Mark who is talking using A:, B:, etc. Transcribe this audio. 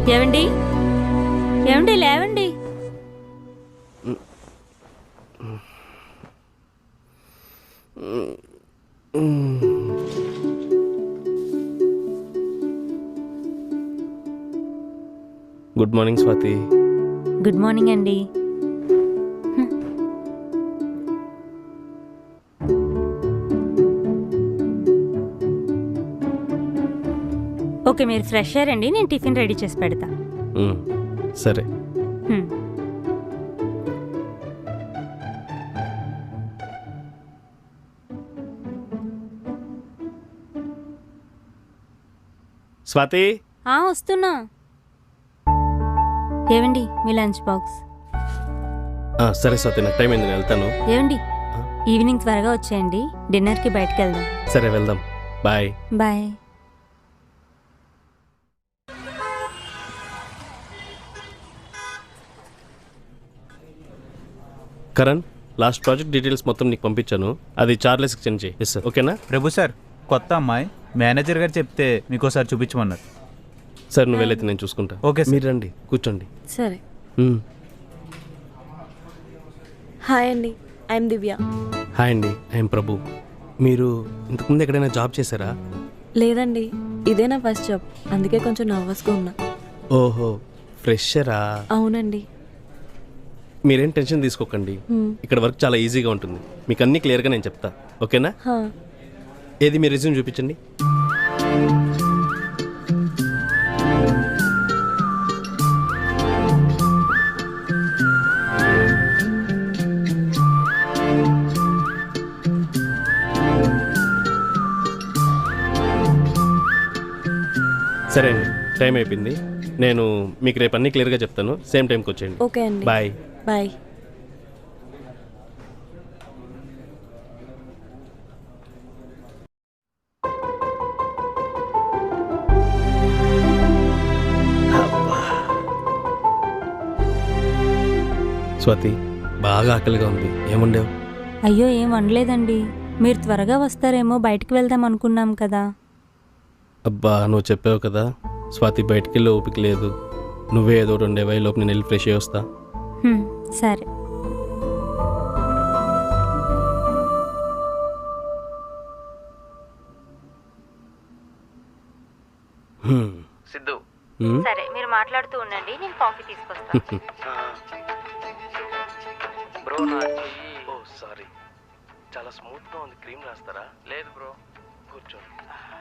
A: ఏవండి ఏవండి లేవండి.
B: Good morning Swathi.
A: Good morning అండి. ఓకే, మీరు ఫ్రెష్ అయ్యారండి, నేను టిఫిన్ రెడీ చేసి పెడతా.
B: సరే. స్వాతి,
A: వస్తున్నా. ఏవండి మీ లంచ్ బాక్స్.
B: సరే స్వాతి, నాకు టైం అయింది, నేను వెళ్తాను.
A: ఏవండి ఈవినింగ్ త్వరగా వచ్చేయండి, డిన్నర్కి బయటకు వెళ్దాం.
B: సరే వెళ్దాం. Bye.
A: Bye.
B: Karan, last project details మొత్తం నీకు పంపించాను, అది చార్లెస్కి సెండ్ చేయి. Yes sir. ఓకేనా?
C: ప్రభు సార్, కొత్త అమ్మాయి మేనేజర్ గారు చెప్తే మీకోసారి చూపించమన్నారు.
B: సార్ నువ్వు వెళ్ళైతే నేను చూసుకుంటా.
C: Okay sir.
B: మీరు రండి, కూర్చోండి.
D: సరే. హాయ్ అండి, ఐఎమ్ దివ్య.
B: హాయ్ అండి, ఐఎమ్ ప్రభు. మీరు ఇంతకుముందు ఎక్కడైనా జాబ్ చేశారా?
D: లేదండి, ఇదే నా ఫస్ట్ జాబ్, అందుకే కొంచెం నర్వస్గా ఉన్నా.
B: ఓహో, ఫ్రెషరా?
D: అవునండి.
B: మీరేం టెన్షన్ తీసుకోకండి, ఇక్కడ వర్క్ చాలా ఈజీగా ఉంటుంది, మీకు అన్నీ క్లియర్గా నేను చెప్తా. ఓకేనా? ఏది మీ రెజ్యూమ్ చూపించండి. సరే అండి, టైం అయిపోయింది, నేను మీకు రేపు అన్నీ క్లియర్గా చెప్తాను. సేమ్ టైంకి వచ్చేయండి.
D: ఓకే అండి.
B: బాయ్.
D: బాయ్.
B: స్వాతి, బాగా ఆకలిగా ఉంది, ఏముండేవు?
A: అయ్యో ఏం వండలేదండి, మీరు త్వరగా వస్తారేమో బయటకు వెళ్దాం అనుకున్నాం కదా.
B: అబ్బా, నువ్వు చెప్పావు కదా స్వాతి, బయటికి వెళ్ళి ఓపిక లేదు, నువ్వే ఏదో 2 లోపు నేను వెళ్ళి ఫ్రెష్ అయ్యి వస్తా.
A: సరే.
E: సిద్ధు,
A: సరే మీరు మాట్లాడుతూ ఉండండి, నేను కాఫీ తీసుకొస్తాను.
E: బ్రో నా చెయ్యి.
B: ఓ సారీ, చాలా స్మూత్గా ఉంది, క్రీమ్ రాస్తారా?
E: లేదు బ్రో,
B: కూర్చోండి.